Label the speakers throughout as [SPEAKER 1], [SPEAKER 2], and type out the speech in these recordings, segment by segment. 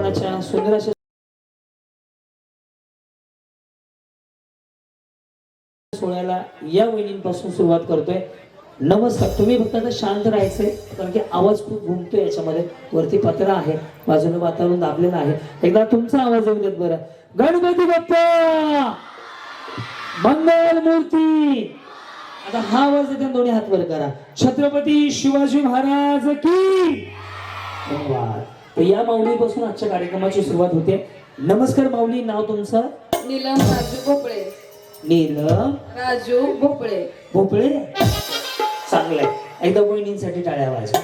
[SPEAKER 1] कोणाच्या सुंदर अशा सोहळ्याला या वहिनींपासून सुरुवात करतोय. नमस्कार. तुम्ही फक्त आता शांत राहायचंय कारण की आवाज खूप घुमतोय याच्यामध्ये. वरती पत्रा आहे, बाजूने वातावरण दाबलेलं आहे. एकदा तुमचा आवाज येऊ देत बरं. गणपती बाप्पा मंगल मूर्ती. आता हा आवाज येते दोन्ही हात वर करा. छत्रपती शिवाजी महाराज की. धन्यवाद. तर या माऊलीपासून आजच्या कार्यक्रमाची सुरुवात होते. नमस्कार माऊली, नाव तुमचं?
[SPEAKER 2] नीलम राजू भोपळे.
[SPEAKER 1] नीलम
[SPEAKER 2] राजू भोपळे.
[SPEAKER 1] भोपळे. चांगलंय. एकदा वहिनींसाठी टाळ्या वाजवा.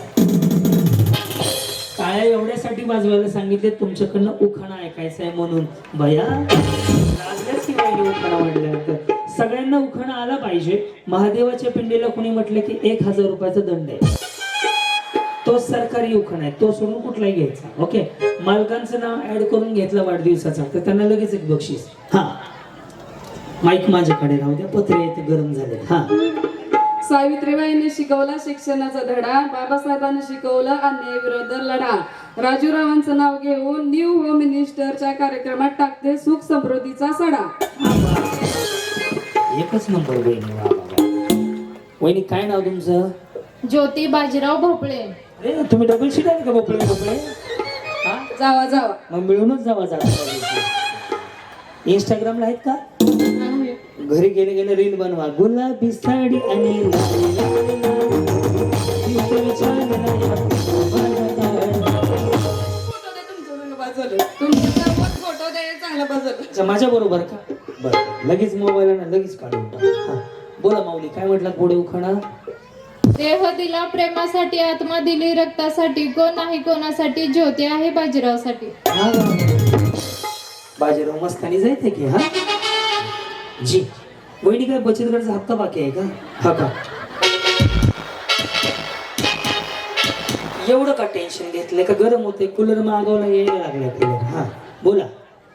[SPEAKER 1] टाळ्या एवढ्यासाठी वाजवायला सांगितले तुमच्याकडनं उखाणा ऐकायचा आहे म्हणून. बया लागल्याच की वहिनी उखाणा म्हणल्यानंतर सगळ्यांना उखाणा आला पाहिजे. महादेवाच्या पिंडीला कोणी म्हटलं की 1000 रुपयाचा दंड आहे. तो सरकारी उखाणा आहे, तो सोडून कुठलाही घ्यायचा. ओके. मालकांचं नाव ऍड करून घेतलं वाढदिवसाचा तर त्यांना लगेच एक बक्षीस. हा माईक माझ्याकडे राहू द्या, पत्रे ते गरम झाले. हा.
[SPEAKER 2] सावित्रीबाईंनी शिकवला शिक्षणाचा धडा, बाबासाहेबांनी शिकवला अन्यायाविरोधात लढा. राजूरावांचं नाव घेऊन न्यू होम मिनिस्टरच्या कार्यक्रमात टाकते सुख समृद्धीचा सडा.
[SPEAKER 1] एकच नंबर वहिनी. वहिनी काय नाव तुमचं?
[SPEAKER 3] ज्योती बाजीराव भोपळे.
[SPEAKER 1] अरे तुम्ही डबल शीट आहे का भोपळे भोपळे? हा
[SPEAKER 2] जावा जावा.
[SPEAKER 1] मग मिळूनच जावा जाता. इंस्टाग्रामला आहेत का? घरी गेले गेले रील बनवा. गुलाबी साडी आणि माझ्या बरोबर का? बरं लगेच मोबाईल लगेच काढून टाक. बोला माऊली काय म्हटलं पुढे उखाणा?
[SPEAKER 3] देह दिला प्रेमासाठी, आत्मा दिली रक्तासाठी, कोण नाही कोणासाठी, ज्योती आहे बाजीरावसाठी.
[SPEAKER 1] बाजीराव मस्तानी जायचंय की. हा जी. वहिनी काय बचत गटाचा हप्ता बाकी आहे का? हा का? एवढं का टेन्शन घेतलंय का? गरम होते कूलर मागवला यायला लागलाय कूलर. हा बोला.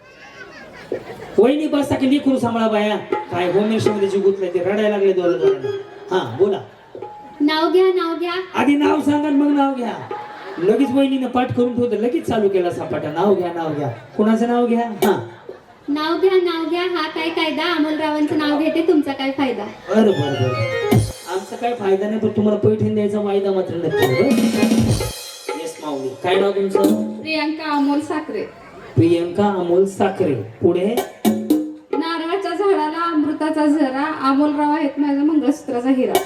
[SPEAKER 1] वहिनी बसता की लिखून सांभाळा बाया. काय होमेश मध्ये जी गुतलंय ते रडायला लागले दोन. हा बोला.
[SPEAKER 3] नाव घ्या नाव घ्या.
[SPEAKER 1] आधी नाव सांगा मग नाव घ्या. लगेच वहिनीनं पाठ करून ठेवतं, लगेच चालू केला सापाटा. नाव घ्या नाव घ्या. कुणाचं नाव घ्या? हा
[SPEAKER 3] नाव घ्या नाव घ्या. हा काय कायदा, अमोलरावांचं नाव घेते, तुमचा काय फायदा?
[SPEAKER 1] बरं बरं बरं. आमचा काय फायदा नाही पण तुम्हाला पैठण द्यायचा वायदा मात्र नक्की. येस माऊली. काय नाव तुमचं?
[SPEAKER 2] प्रियांका अमोल साखरे.
[SPEAKER 1] प्रियंका अमोल साखरे. पुढे?
[SPEAKER 2] नारळाच्या झाडाला अमृताचा झरा, अमोलराव आहेत माझ्या मंगळसूत्राचा हिरा.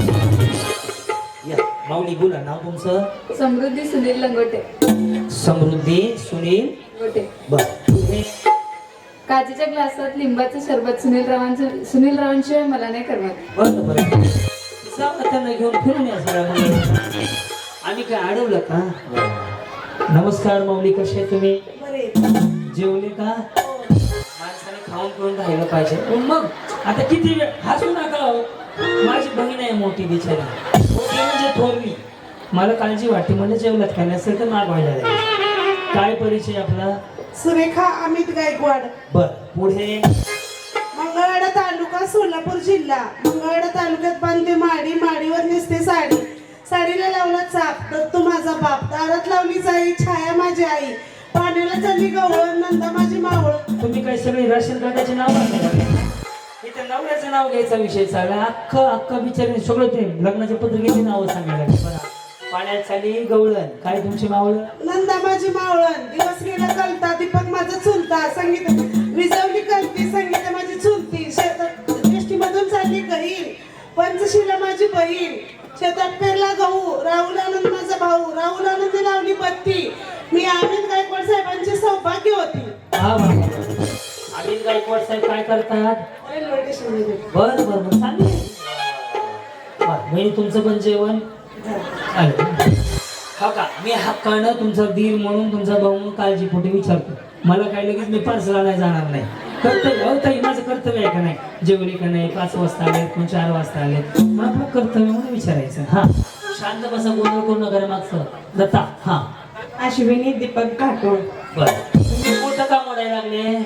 [SPEAKER 1] या माऊली बोला. नाव तुमचं?
[SPEAKER 2] समृद्धी सुनील लंगोटे.
[SPEAKER 1] समृद्धी सुनील
[SPEAKER 2] गोटे.
[SPEAKER 1] बर. पुढे?
[SPEAKER 2] काचेच्या ग्लासात लिंबाचं सरबत, सुनीलरावांशिवाय मला नाही करणार.
[SPEAKER 1] बरं बरं. जाऊ त्यांना घेऊन फिरून या सगळ्या मुली. आम्ही काय अडवलं का? नमस्कार माऊली, कसे आहे तुम्ही? जेवले का? माणसाने खाऊन पिऊन राहिलं पाहिजे. मग आता किती वेळ हसू नका. माझी बहीण आहे मोठी बिचारी, मोठी म्हणजे थोरली. मला काळजी वाटते म्हणजे जेवलात काय नसेल तर मागवायला लागेल. काय परिचय आपला?
[SPEAKER 4] सुरेखा अमित गायकवाड.
[SPEAKER 1] बर. पुढे?
[SPEAKER 4] मंगळवेढा तालुका सोलापूर जिल्हा. मंगळवेढा तालुक्यात बांधते माडी, माडीवर नेसते साडी, साडीला लावला चाप, दत्तू माझा बाप, दारात लावली जाई, छाया माझी आई, पाण्याला चालली गवळ, नंदा माझी मावळ.
[SPEAKER 1] तुम्ही काय सगळे राशन कार्डाचे नाव इथे नवऱ्याचं नाव घ्यायचा विषय चालला. अख्खा बिचारे सगळं ते लग्नाच्या पत्रिकेची नावं सांगायला लागली. बरं. पाण्यात चाली गवळण. काय तुमची मावळ?
[SPEAKER 4] नंदा माझी मावळण. दिवस गेला कलता, दीपक माझा चुलता, संगीत विजवली कलती, संगीत माझी चुलती, शेतात मधून चालली गहीर, पंचशीला माझी बहीण, शेतात पेरला गहू, राहुल आनंद माझा भाऊ, राहुल आनंदी लावली बत्ती, मी अमित गायकवाड साहेबांची सौभाग्य होती.
[SPEAKER 1] अमित गायकवाड साहेब काय करतात? बर बर बर. चांगलं. म्हणजे तुमचं पण जेवण हा का? मी हक्कानं तुमचा दीर म्हणून, तुमचा भाऊ म्हणून काळजीपोटी विचारतो. मला काय लगेच मी पार्सला नाही जाणार नाही. कर्तव्य हो ताई, माझं कर्तव्य आहे का नाही? जेवली का नाही? 5 वाजता आले, 4 वाजता आले, मग आपलं कर्तव्य म्हणून विचारायचं. हा शांत बसा, गोंधळ करू नका मागचं. दत्ता. हा
[SPEAKER 4] अश्विनी दीपक घाटोळ.
[SPEAKER 1] बर. तुम्ही मोठं का मोडायला लागले?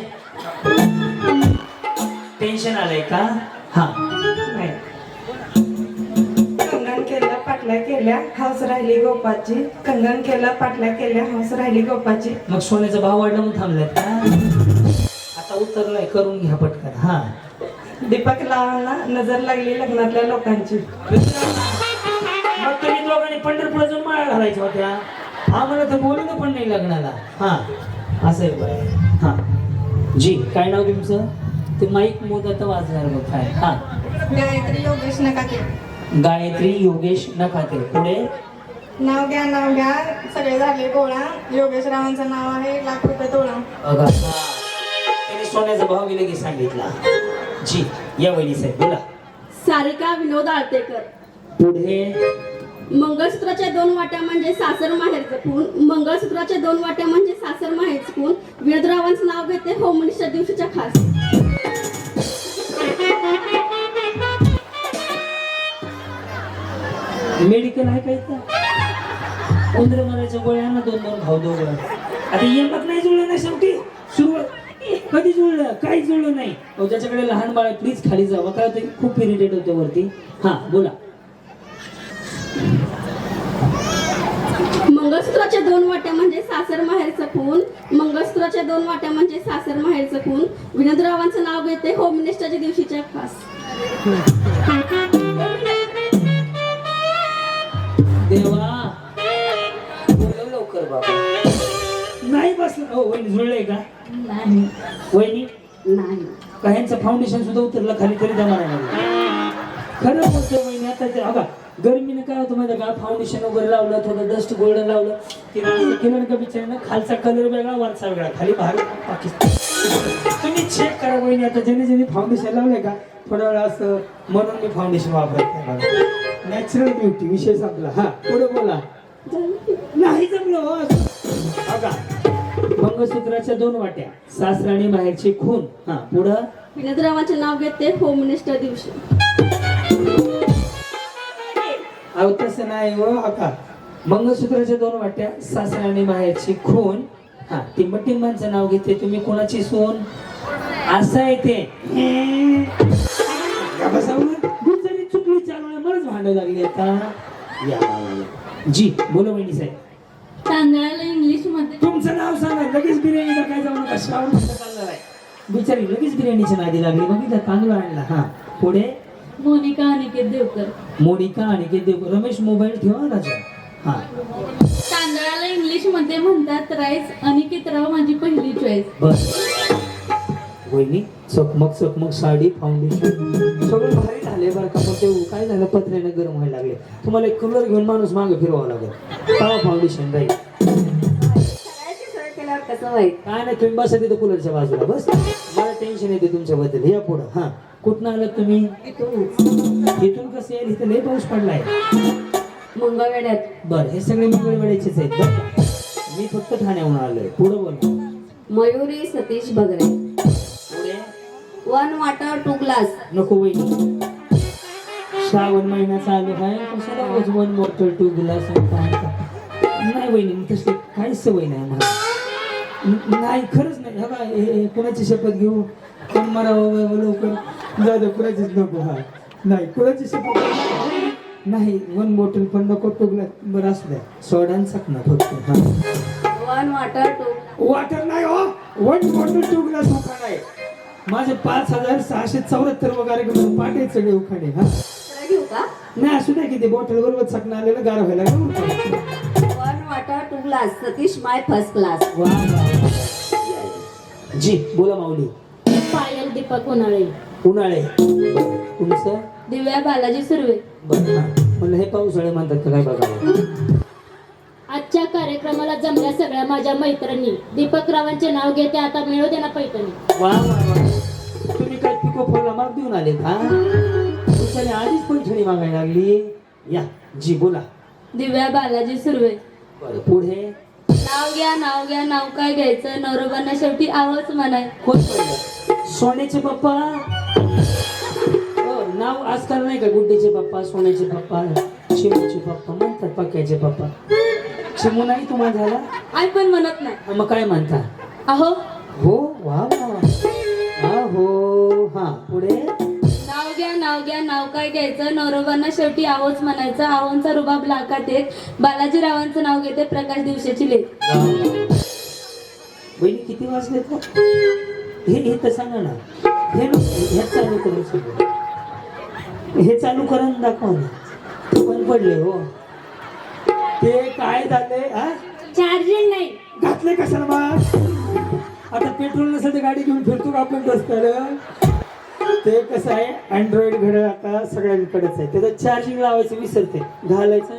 [SPEAKER 1] टेन्शन आलंय का? हा
[SPEAKER 4] नाही. केलं, पाटला केलं,
[SPEAKER 5] केल्या हौस राहिली गोपाची, कंगन केलं पाटल्या केल्या हौस राहिली गोपाची.
[SPEAKER 1] मग सोन्याचा भाव वाढला म्हणून थांबलाय का? आता उतरलाय, करून घ्या पटकन. हा,
[SPEAKER 5] दीपक लावांना नजर लागली लग्नातल्या लोकांची.
[SPEAKER 1] मग तुम्ही दोघांनी पंढरपूरला जाऊन माळा घालायच्या होत्या, आम्हाला तर बोलवलं पण नाही लग्नाला. हा, असं आहे बरं. हा जी, काय नाव तुमचं? ते माईक मोदत वाजणार मग काय. हा,
[SPEAKER 5] गायत्री योगेश नकाते.
[SPEAKER 1] गायत्री योगेश नखाते. पुढे
[SPEAKER 5] नाव घ्या सगळे झाले गोळा. योगेश रावांचं नाव आहे ₹1,00,000 तोळा.
[SPEAKER 1] बघा, हा, त्याने सोन्याचा भाव गेले की सांगितला. जी, या वहिनी साहेब बोला.
[SPEAKER 6] सारिका विनोद आळतेकर.
[SPEAKER 1] पुढे
[SPEAKER 6] मंगळसूत्राच्या 2 वाट्या म्हणजे सासर माहेरचं खून. मंगळसूत्राच्या 2 वाट्या म्हणजे सासर माहेरचं खून. विनोदरावांचं नाव घेते होम मिनिस्टर दिवशीच्या खास.
[SPEAKER 1] मेडिकल आहे का इथं? उंदर मारायच्या गोळ्यांना 2-2 भाव दोघं. आता यमक नाही जुळलं ना शेवटी. सुरुवात कधी जुळलं? काही जुळलं नाही. अहो, ज्याच्याकडे लहान बाळ प्लीज खाली जावं. काय होतं, खूप इरिटेट होते वरती. हा बोला.
[SPEAKER 6] मंगळसूत्राच्या 2 वाट्या म्हणजे सासर माहेरचं खून. मंगळसूत्राच्या 2 वाट्या म्हणजे सासर माहेरचं खून. विनोदरावांचं नाव घेते होम मिनिस्टरच्या दिवशीच्या खास.
[SPEAKER 1] देवा बोलव लवकर बाबा. नाही बसलं. हो, वहिनी जुळलंय का? वहिनी
[SPEAKER 6] नाही.
[SPEAKER 1] काहींचं फाउंडेशन सुद्धा उतरलं खाली तरी जमा नाही लागलं. खरं बोलतोय वहिनी. आता ते बघा, गरमीनं काय होतं माहिती का, फाउंडेशन वगैरे लावलं, थोडं डस्ट गोल्डन लावलं, केलं का बिचाऱ्यानं खालचा कलर वेगळा वरचा वेगळा, खाली बाहेर पाकिस्तान. तुम्ही चेक करा वहिनी. आता ज्याने फाउंडेशन लावलंय का, थोडा वेळा असं म्हणून मी फाउंडेशन वापरत. नॅचरल ब्युटी विषय संपला. हा, पुढे बोला. नाही जमलं हो. बघा, मंगळसूत्राच्या 2 वाट्या सासराणी बाहेरची खून. हा, पुढं
[SPEAKER 6] विनोदरावांचे नाव घेते होम मिनिस्टर दिवशी.
[SPEAKER 1] अहो तसं नाही हो. आता मंगळसूत्राच्या 2 वाट्या सासराणी बाहेरची खून. हा, टिंबांचं नाव घेते. तुम्ही कोणाची सून? असं आहे ते. गुजरी चुकली चालू मलाच भांडव लागली आता. या जी, बोला वहिनी साहेब.
[SPEAKER 3] तांदळाला इंग्लिश मध्ये
[SPEAKER 1] तुमचं नाव सांगा. लगेच बिर्याणीला काय जाऊ नका. श्रावण चालणार आहे. बिचारी लगेच बिर्याणीच्या नादी लागली. बघितलं, तांदूळ आणला. हा, पुढे
[SPEAKER 3] मोनिका अनिकेत देवकर.
[SPEAKER 1] मोनिका आणि देव. रमेश मोबाईल ठेवा राजा. हा,
[SPEAKER 3] तांदळाला इंग्लिश मध्ये म्हणतात राईस. अनिकेत राव माझी पहिली चॉईस.
[SPEAKER 1] बस वहिनी, चकमक साडी फाउंडेशन सगळं भारी झाले बरं का. पण ते काय झालं, पत्र्याने गरम व्हायला लागले. तुम्हाला एक कलर घेऊन माणूस मागे फिरवावं लागेल, तेव्हा फाउंडेशन राहील.
[SPEAKER 6] कसं वाईट.
[SPEAKER 1] काय नाही, तुम्ही बसा तिथं कूलरच्या बाजूला. बस, मला टेन्शन येते तुमच्याबद्दल. या पुढं. हा, कुठनं आलात तुम्ही? इथून कसं येईल? इथं लय पाऊस पडलाय.
[SPEAKER 6] मंगळवेड्यात.
[SPEAKER 1] बरं, हे सगळे मंगळवेड्याचेच आहेत बरं का. मी फक्त ठाण्याहून आलोय. पुढं बोल.
[SPEAKER 6] मयुरी सतीश बगरे.
[SPEAKER 1] पुढे
[SPEAKER 6] 1 वाटर 2 ग्लास.
[SPEAKER 1] नको वहिनी, श्रावण महिना चालू आहे. कशाला रोज 1 बॉटल 2 ग्लास? नाही वहिनी, तसली काहीच सवय नाही मला. नाही, खरंच नाही. बघा, कुणाची शपथ घेऊ? कोण मारावं लवकर? जाऊ दे, कुणाचीच नको. हा, नाही, कुणाची शपथ नाही. 1 बॉटल पण नको, 2 ग्लास बरं असू द्या. सोडांचाच ना फक्त. हा,
[SPEAKER 6] 1 वाटर 2.
[SPEAKER 1] वॉटर नाही हो. 1 बॉटल 2 ग्लास उखाणा आहे. माझे 5,674 वगैरे पाटे सगळे उखाणे. हा,
[SPEAKER 6] घेऊ का?
[SPEAKER 1] नाही असू द्या. किती बॉटल बरोबर चकणं आलेलं गार व्हायला लागलं.
[SPEAKER 6] 1 water 2 glass. Satish my first class.
[SPEAKER 1] वा जी, बोला माऊली.
[SPEAKER 3] पायल दीपक उन्हाळे.
[SPEAKER 1] उन्हाळे. तुमचं?
[SPEAKER 3] दिव्या बालाजी सुर्वे.
[SPEAKER 1] बरं, हा, म्हणलं हे पावसाळे म्हणतात का काय बघा.
[SPEAKER 3] आजच्या कार्यक्रमाला जमल्या सगळ्या माझ्या मैत्रिणी. दीपक रावांचे नाव घेते. आता मिळू दे ना पैठणी.
[SPEAKER 1] वा वा वा. तुम्ही काय पिको फॉलला माग देऊन आले का? तुमच्याने आधीच पैठणी मागायला लागली. या जी, बोला.
[SPEAKER 3] दिव्या बालाजी सुर्वे.
[SPEAKER 1] बरं, पुढे
[SPEAKER 3] नाव घ्या नाव काय घ्यायचं. नवरोबांना शेवटी आवाज म्हणाय.
[SPEAKER 1] कोण पहिलं? सोन्याचे पप्पा. हो, नाव आजकाल नाही का, गुड्डीचे पप्पा, सोन्याचे पप्पा, चिमूचे पप्पा म्हणतात. पक्याचे पप्पा. चिमू नाही तुम्हाला झाला?
[SPEAKER 3] आई पण म्हणत नाही.
[SPEAKER 1] मग काय म्हणता?
[SPEAKER 3] अहो.
[SPEAKER 1] हो, वा वा. हो, हा, पुढे
[SPEAKER 6] नाव घ्या नाव काय घ्यायचं नवरोबांना शेवटी आहोच म्हणायचं आहोंचा रुबाब लाखात एक बालाजीरावांचं नाव घेते प्रकाश दिवसाची लेख.
[SPEAKER 1] बहिणी किती वाजले का हे तर सांगा ना. हे चालू करून सगळं हे चालू करून दाखवा ना. पण पडले हो ते काय झाले हा
[SPEAKER 6] चार्जिंग नाही
[SPEAKER 1] घातले कशाला मग. आता पेट्रोल नसेल तर गाडी घेऊन फिरतो का आपण रस्त्यावर. ते कसं आहे अँड्रॉइड घड्याळ आता सगळ्यांकडेच आहे. त्याचं चार्जिंग लावायचं विसरते घालायचं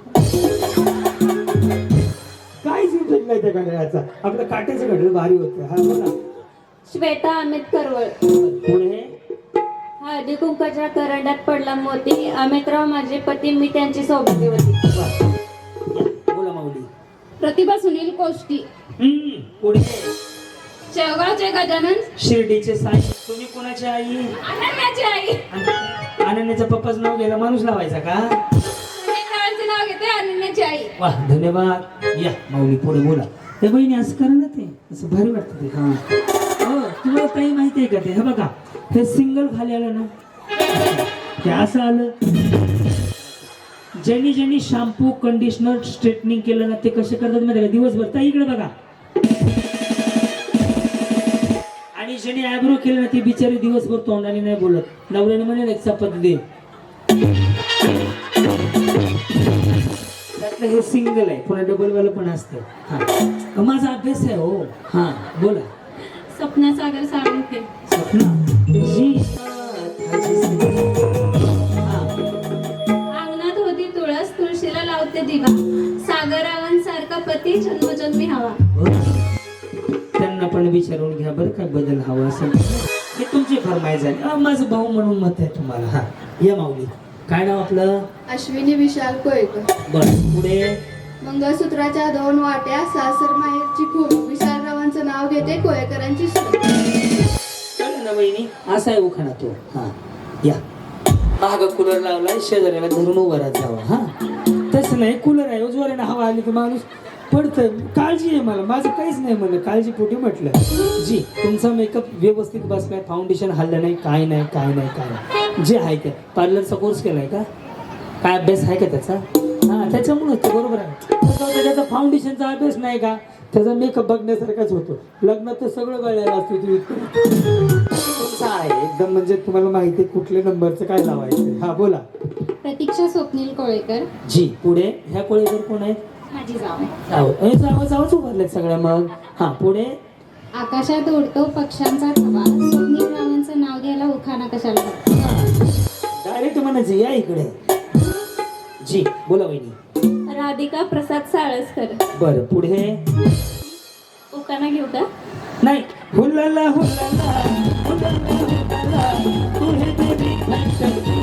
[SPEAKER 1] काहीच उपयोग नाही त्या घड्याळाचा. आपलं काट्याचं घड्याळ भारी होतं. हा बोला.
[SPEAKER 6] श्वेता अमित करवळ.
[SPEAKER 1] पुढे
[SPEAKER 6] हळदी कुंकाच्या करंड्यात पडला मोती अमितराव माझे पती मी त्यांची सौभाग्यवती.
[SPEAKER 1] बोला माऊली.
[SPEAKER 3] प्रतिभा सुनील कोष्टी.
[SPEAKER 1] पुढे
[SPEAKER 3] शेवगावचे गजानन.
[SPEAKER 1] शिर्डीचे साई. तुम्ही कोणाची आई.
[SPEAKER 3] अनन्याची आई.
[SPEAKER 1] अनन्याच्या पप्पाचं नाव घ्यायला माणूस लावायचा का.
[SPEAKER 3] अनन्याचं नाव घेते अनन्याची आई.
[SPEAKER 1] वा धन्यवाद. या माऊली पुढे बोला. हे बहिणी असं करा ना ते असं भारी वाटतं ते. हा हो तुम्हाला काही माहिती आहे का ते. हे बघा हे सिंगल खाली आलं ना हे असं आलं. ज्यांनी शॅम्पू कंडिशनर स्ट्रेटनिंग केलं ना ते कसे करतात माहिती का दिवसभर. त्या इकडे बघा. आणि ज्यांनी आयब्रो केलं ना ते बिचारे दिवसभर तोंडाने नाही बोलत. नवऱ्याने म्हणे एक चपाती दे. त्यातलं हे सिंगल आहे पुन्हा डबल वाला पण असतं. हा माझा अभ्यास आहे हो. हा बोला.
[SPEAKER 6] सपना सागर साळुंखे.
[SPEAKER 1] सपना जी.
[SPEAKER 6] अंगणात होती तुळस तुळशीला लावते दिवा सागरावांसारखा पती जन्मजन्मी हवा.
[SPEAKER 1] त्यांना पण विचारून घ्या बरं काय बदल हवा असेल. हे तुमची फरमाईश आहे. माझं भाऊ म्हणून मत आहे तुम्हाला. हा या माऊली. काय नाव आपलं.
[SPEAKER 5] अश्विनी विशाल कोळेकर.
[SPEAKER 1] बरं पुढे
[SPEAKER 5] मंगळसूत्राच्या 2 वाट्या सासर माहेरची खूप विशालरावांचं नाव घेते कोळेकरांची सून.
[SPEAKER 1] कळलं ना बहिणी. असा आहे उखाणा तो. हा या. महाग कूलर लावलाय शेजाऱ्याला धरून उभा राहत जावा. हा तसं नाही कूलर आहे जोराने हवा आली की माणूस पडतंय. काळजी आहे मला. माझं काहीच नाही म्हणलं काळजी पोटी म्हटलं. जी तुमचा मेकअप व्यवस्थित बसलाय फाउंडेशन हल्लं नाही काय नाही काय नाही काय नाही. जे आहे ते पार्लरचा कोर्स केलाय का काय अभ्यास आहे का त्याचा. हा त्याच्यामुळे ते बरोबर आहे. त्याचा फाउंडेशनचा अभ्यास नाही का त्याचा मेकअप बघण्यासारखाच होतो. लग्नात तर सगळं कळलेलं असतं. तुम्ही तुमचा आहे एकदम म्हणजे तुम्हाला माहिती आहे कुठल्या नंबरचं काय लावायचं. हा बोला.
[SPEAKER 3] प्रतीक्षा स्वप्नील कोळेकर.
[SPEAKER 1] जी पुढे. ह्या कोळेकर कोण आहेत.
[SPEAKER 3] माझी जाव.
[SPEAKER 1] जावच उभारलेत सगळ्या मग. हा पुढे.
[SPEAKER 3] आकाशात उडतो पक्ष्यांचा थवा स्वप्नील रावांचं नाव घ्यायला उखाणा कशाला.
[SPEAKER 1] डायरेक्ट म्हणायचं या इकडे. जी बोला वहिनी.
[SPEAKER 6] राधिका प्रसाद साळसकर.
[SPEAKER 1] बरं पुढे.
[SPEAKER 6] उकाना घेऊ का.
[SPEAKER 1] नाही. हुल्लाला हुल्लाला हुल्लाला हुल्लाला तू हे देवी घंटडी.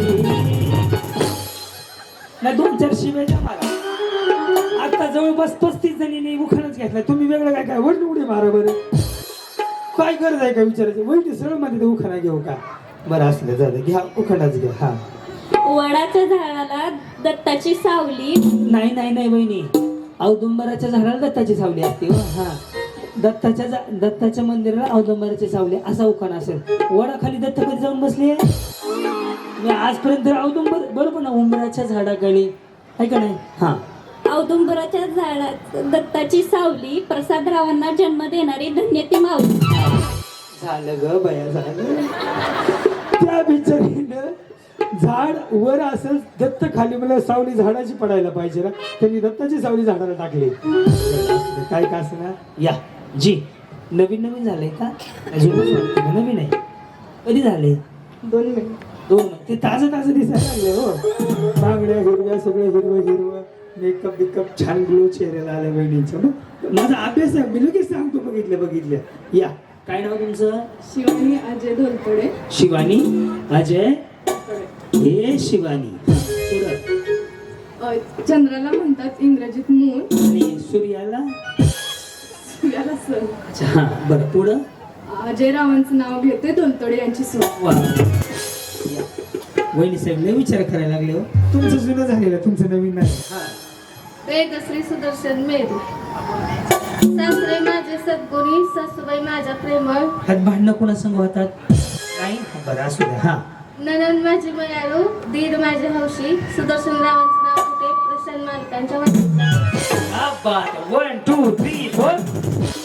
[SPEAKER 1] नाही 2-4 शिव्या द्या मला. आता जवळपास 35 जणींनी उखाणच घेतलाय. तुम्ही वेगळं काय काय वडली उडी मारा बरं. काय गरज आहे का विचारायची. वहिनी सरळ मध्ये उखाणा घेऊ का. बरं असलं झालं घ्या उखाणाच घ्या. हा
[SPEAKER 6] वडाच्या झाडाला दत्ताची सावली.
[SPEAKER 1] नाही नाही नाही वहिनी औदुंबराच्या झाडाला दत्ताची सावली असते. हा दत्ताच्या मंदिराला औदुंबराची सावली असा उखाणा असेल. वडाखाली दत्त कधी जाऊन बसले. मी आजपर्यंत औदुंबर बरोबर ना उंबराच्या झाडाखाली आहे का नाही. हा
[SPEAKER 6] औदुंबराच्या झाडात दत्ताची सावली प्रसादरावांना जन्म देणारी धन्य ती माऊली.
[SPEAKER 1] झालं ग बया झालं. त्या बिचारीनं झाड वर असेल दत्त खाली मला सावली झाडाची पडायला पाहिजे ना. त्यांनी दत्ताची सावली झाडाला टाकली. काय का असं ना. या जी नवीन झालंय का नवीन आहे. कधी झाले.
[SPEAKER 5] 2 मिनिट.
[SPEAKER 1] 2 महिने. ते ताजं दिसायला लागले हो. बांगड्या हिरव्या सगळं हिरवं मेकअप बिकअप छान ग्लो चेहऱ्याला आल्या बहिणींच्या. माझा अभ्यास आहे मी लगेच सांगतो. बघितल्या. या काय नाव तुमचं.
[SPEAKER 5] शिवानी अजय धोलपडे.
[SPEAKER 1] शिवानी अजय. हे शिवानी.
[SPEAKER 5] चंद्राला म्हणतात इंग्रजीत मून
[SPEAKER 1] आणि सूर्याला
[SPEAKER 5] सर.
[SPEAKER 1] अच्छा हा बरं पुढं.
[SPEAKER 5] अजय रावांचं नाव घेते धोलतडे यांची सून.
[SPEAKER 1] वा वहिनी साहेब लय विचार करायला लागले हो. तुमचं जुनं झालेलं तुमचं नवीन नाही. हा
[SPEAKER 6] वेदश्री सुदर्शन मेरू. सासरे माझे सद्गुणी सासूबाई माझ्या प्रेमळ.
[SPEAKER 1] हात भांडणं कोणा संग होतात नाही. बरं असू द्या. हा
[SPEAKER 7] ननंद माझी मयाळू, दीर माझे हौशी, सुदर्शन रावांचं नाव होते प्रसन्न मालकांच्या वतीचं.
[SPEAKER 1] 1 2 3 4